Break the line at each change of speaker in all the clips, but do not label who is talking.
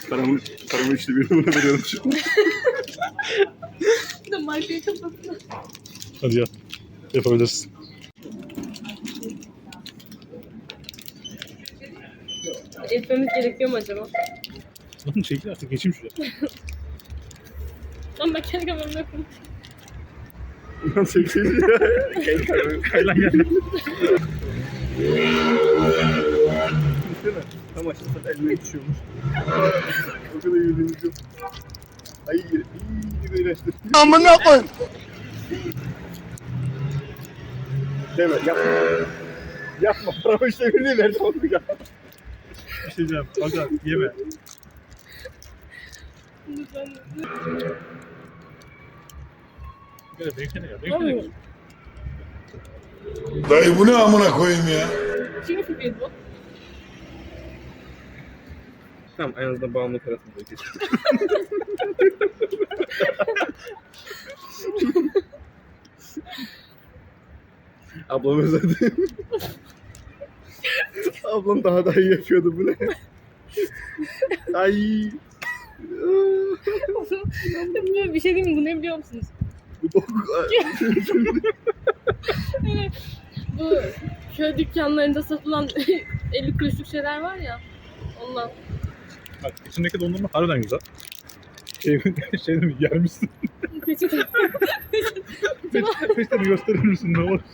Paramı işte bir numara veriyorum şimdi.
Bir de markayı kapattı.
Hadi ya. Yapabilirsin.
Etmemiz gerekiyor mu acaba?
Lan çekil artık, geçeyim şuraya.
Lan ben kendi kameramda yokum.
Nasıl bir şey ya?
Kaylan geldi.
Tam aşağıda elime düşüyormuş. O kadar yürüdüğümüz yok. Ay iyi iğrençtir.
Amına koy.
Deme yapma. Yapma. Paramı işte bir verdim onu ya.
Bir şey diyeceğim. Aga yeme.
Lütfen.
Gel beklene ya. Beklene.
Dayı bu ne amına koyayım ya?
Kimin fikriydi bu?
Tamam en azından bağımlılık arasında geçti. Ablam özledi. Ablam daha da iyi yapıyordu bu ne? Ay.
Bir şey diyeyim mi? Bu ne biliyor musunuz?
Bu bok.
Yani bu köy dükkanlarında satılan 50 kuruşluk şeyler var ya. Ondan.
Bak içindeki dondurma harbiden güzel. Şey mi yer misin?
Peçete.
Peçeteni gösterir misin ne olur?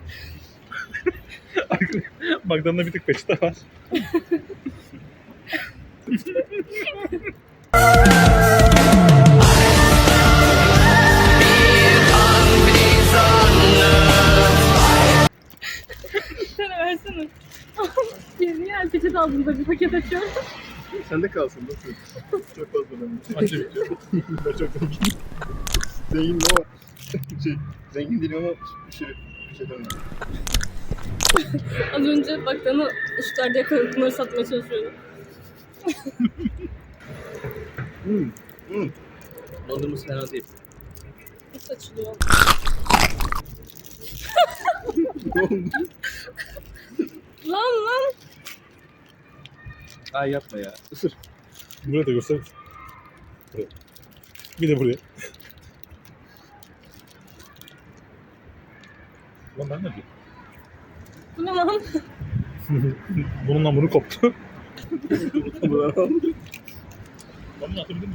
Magdalena bir tık peçete var.
Sen versene. Bir yer peçete aldığımda bir paket açıyorum.
Sende kalsın nasıl? Çok fazla ben.
Anca bitiyor.
Ben çok zengin. Zengin ama zengin değilim ama bir şey demem.
Az önce baktığını ışıklarda yakalayıp bunları satmaya çalışıyordum.
Dondurması fena değil.
Nasıl açılıyor?
Ne oldu?
Lan.
Ay yapma ya. Isır.
Buraya da göster. Buraya. Bir de buraya. Lan ben ne diyeyim?
Bu ne lan?
Bununla bunu koptu.
Bunlar al.
Ben bunu atabilir miyim?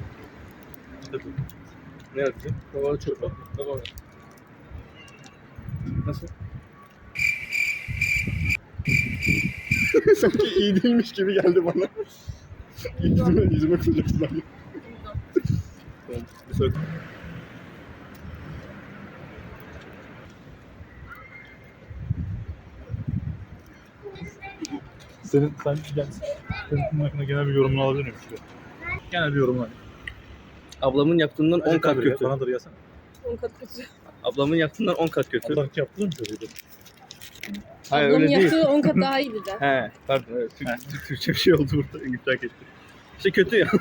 Ne yaptın? Havalı çorba. Havalı. Nasıl? Sanki iyi değilmiş gibi geldi bana. Yüzüme kızacaksın abi. Tamam. Bir sonraki.
Senin bunun hakkında genel bir yorumunu alabilir miyim? Genel bir yorumunu.
Ablamın yaptığından 10 kat kötü.
Bana da yasana.
10 kat kötü.
Ablamın yaptığından 10 kat kötü.
Ablanki yaptın mı çocuğu?
Hayır
Ablamın
öyle değil.
yaptığı 10 kat daha iyiydi de.
He, pardon. Evet, Türkçe bir şey oldu burada. İdrak ettim. İşte kötü ya.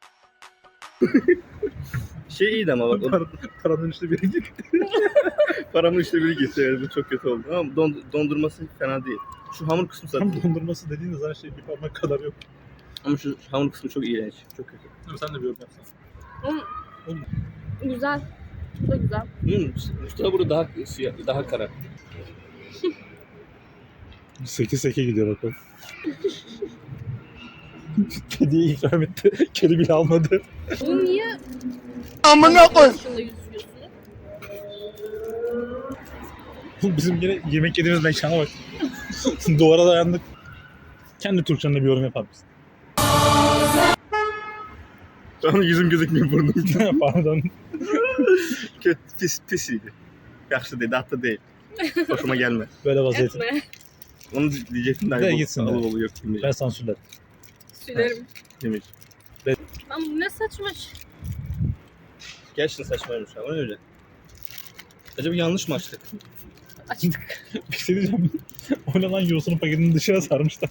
Şey iyiydi ama bak.
Paranın işte biri git.
Paramın işte biri gitti. Evet, bu çok kötü oldu. Ama dondurması fena değil. Şu hamur kısmı zaten.
Tam dondurması dediğiniz her şey bir parmak kadar yok.
Ama şu hamur kısmı çok iğrenç. Çok kötü.
Dur sen de bir yorum yapsana.
Güzel. Bu da güzel.
Mustafa burada daha kara.
8-8 gidiyor bakalım. Kediye ikram etti. Kedi bile almadı.
Bu niye?
Amına koy.
Şunda yüz yüzüyorsunuz?
Bizim yine yemek yediğimiz mekana bak. Duvara dayandık. Kendi Türkçenle bir yorum yapar mısın?
Şu an yüzüm gözükmüyor burnum.
Pardon.
Kötü, pis iyiydi. Yaxşı değil, hatta değil. Hoşuma gelmez.
Böyle vaziyet.
Etme.
Onu diyecektim de.
De gitsin de.
Alı yok
Ben
demeyeceğim.
sansürlerim.
Sülerim.
Demeyeceğim.
Lan bu ne saçma şey.
Gerçekten saçmaymış ama öyle. Acaba yanlış mı açtık?
Açtık.
Bir şey diyeceğim. O ne lan, yosunun paketini dışarı sarmışlar.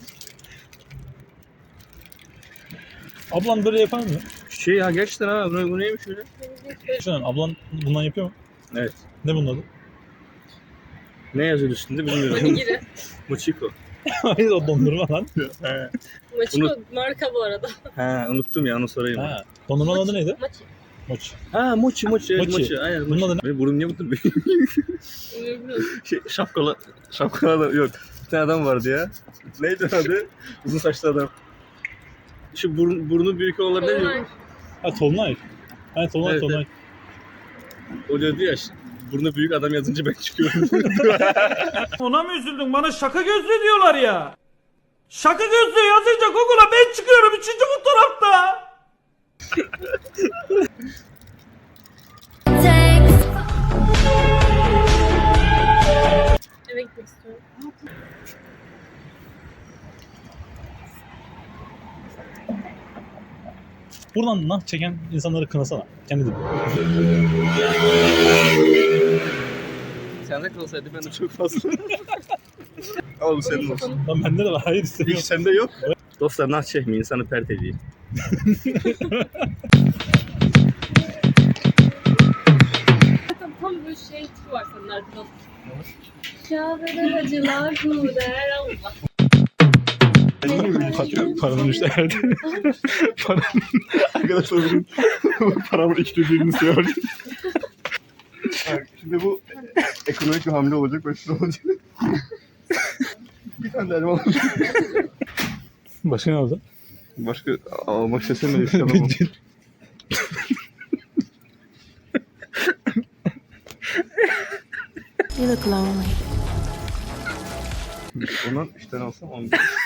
Ablan böyle yapar mı?
Şey ya gerçekten ha bu neymiş öyle?
Şuan ablan bundan yapıyor mu?
Evet.
Ne bunun adı?
Ne yazıyor üstünde bilmiyorum.
Onigiri.
Mochiko.
Hayır, o dondurma lan.
He.
Maçiko marka bu arada.
Ha unuttum ya onu sorayım.
Ha. Dondurmanın adı neydi?
Maçı.
Mochi.
Ha mochi mochi evet,
Mochi.
mochi. Aynen
Bunun
mochi.
adı ne?
Benim burnum niye mutlu?
Bilmiyorum.
Şapkalı adam yok. Bir tane adam vardı ya. Neydi adı? Uzun saçlı adam. Şu burnu büyük olanlar ne diyor?
Ha Tolunay. Ha Tolunay
Evet,
Tolunay.
O diyordu ya burnu büyük adam yazınca ben çıkıyorum.
Ona mı üzüldün? Bana şaka gözlü diyorlar ya. Şaka gözlü yazınca Google'a ben çıkıyorum 3. fotoğrafta.
Eve gitmek istiyorum.
Buradan nah çeken insanları kınasana. Kendi de.
Sende kalsaydı ben de çok fazla. Ama bu senin olsun.
Lan bende de var. Hayır
Hiç
istemiyorum.
sende yok. Dostlar nah çekmeyin insanı pert ediyor.
Zaten tam böyle şey tipi var senin arkada. Kahvede acılar bu der Allah.
Paranın işte herhalde.
Arkadaşlar bugün paramı ikilediğini söylüyorum. Şimdi bu ekonomik bir hamle olacak ve şu olacak. Bir tane de elma alacak.
Başka ne oldu?
Başka almak istesem de istemem.
You look lonely.
Ondan 3 tane alsam 10.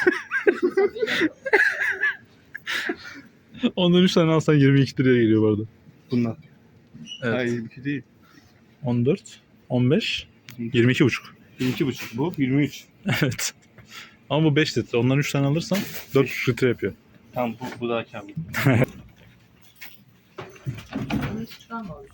Ondan 3 tane alsan 22 liraya geliyor bu arada.
Bundan.
Evet.
Hayır bir şey değil.
14, 15, 22,5.
22,5 bu 23.
Evet. Ama bu 5 litre. Ondan 3 tane alırsan 4 litre yapıyor.
Tamam bu daha kârlı.